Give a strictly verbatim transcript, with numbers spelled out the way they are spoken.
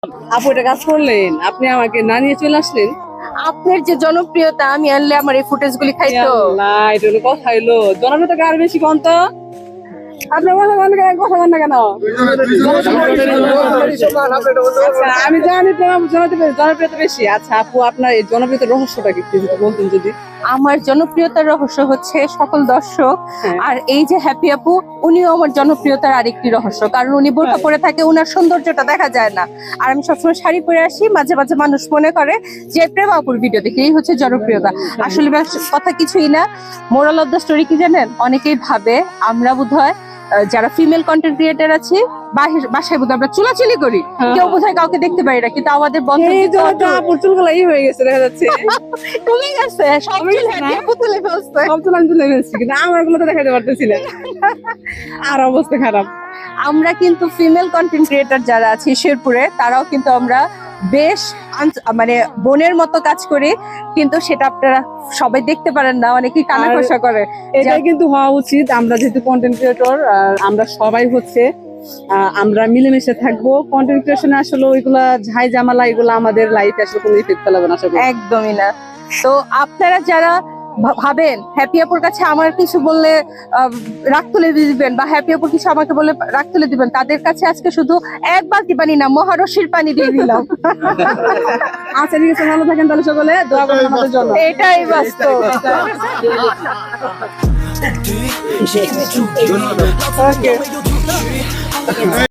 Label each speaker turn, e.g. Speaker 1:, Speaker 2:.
Speaker 1: আপু এটা কাজ করলেন, আপনি আমাকে না নিয়ে চলে আসলেন।
Speaker 2: আপনার যে জনপ্রিয়তা, আমি আনলে আমার এই ফুটেজ গুলি খাইতো।
Speaker 1: না এটা হলো কথা হইলো, জনপ্রিয়তা আর বেশি কম তো। আপনার কথা বলেন কেন, কথা বলেন না কেন? আচ্ছা আমি জানি তোমার জনপ্রিয়তা জনপ্রিয়তা বেশি। আচ্ছা আপু আপনার এই জনপ্রিয়তার রহস্যটা কি একটু যদি বলতেন যদি।
Speaker 2: আমার জনপ্রিয়তার রহস্য হচ্ছে সকল দর্শক,
Speaker 1: হ্যাঁ।
Speaker 2: আর এই যে হ্যাপি আপু, উনিও আমার জনপ্রিয়তার আরেকটি রহস্য, কারণ উনি বোরকা পরে থাকে, উনার সৌন্দর্যটা দেখা যায় না। আর আমি সবসময় শাড়ি পরে আসি, মাঝে মাঝে মানুষ মনে করে যে প্রেম আপুর ভিডিও দেখে, এই হচ্ছে জনপ্রিয়তা। আসলে ব্যাস- কথা কিছুই না। মোরাল অফ দ্য স্টোরি কি জানেন? অনেকেই ভাবে আমরা বোধহয় আহ, যারা ফিমেল কন্টেন্ট ক্রিয়েটার আছি বাহির বাসায় বোধহয় আমরা চুলাচুলি করি,
Speaker 1: হ্যাঁ।
Speaker 2: কেউ বোধহয় কাউকে দেখতে পারি না, কিন্তু আমাদের বন্ধ
Speaker 1: এই জন্য তো আপুর চুলগুলো ই হয়ে গেছে দেখা যাচ্ছে।
Speaker 2: কমে গেছে, সব
Speaker 1: কমে
Speaker 2: চুল
Speaker 1: গেছে না?
Speaker 2: happy আপু তুলে ফেলছে।
Speaker 1: সব চুল আমি তুলে ফেলছি কিন্তু আমার গুলো তো দেখাতে পারতেছি না। আর অবস্থা খারাপ।
Speaker 2: আমরা কিন্তু ফিমেল কন্টেন্ট ক্রিয়েটার যারা আছি শেরপুরে, তারাও কিন্তু আমরা বেশ আন- মানে বোনের মতো কাজ করি, কিন্তু সেটা আপনারা সবাই দেখতে পারেন না, অনেকেই কানা
Speaker 1: আর
Speaker 2: কষা করে।
Speaker 1: এটাই কিন্তু হওয়া উচিত। আমরা যেহেতু কন্টেন্ট ক্রিয়েটর, আমরা সবাই হচ্ছে আহ, আমরা মিলেমিশে থাকবো। কন্টেন্ট ক্রিয়েশনে আসলে ওইগুলা ঝাই জামালা এগুলো আমাদের লাইফে আসলে কোনো ইফেক্ট ফেলাবে না আসলে।
Speaker 2: একদমই না। তো আপনারা যারা ভা- ভাবেন হ্যাপি আপুর কাছে আমার কিছু বললে আহ, রাগ তুলে দিবেন, বা হ্যাপি আপুর কিছু আমাকে বলে রাগ তুলে দিবেন, তাদের কাছে আজকে শুধু এক বালতি পানি না, মহারশির পানি দিয়ে দিলাম।
Speaker 1: আচ্ছা ঠিক আছে, ভালো থাকেন তাহলে, সকলে দোয়া করবেন আমাদের জন্য।
Speaker 2: এটাই বাস্তব।
Speaker 1: Okay.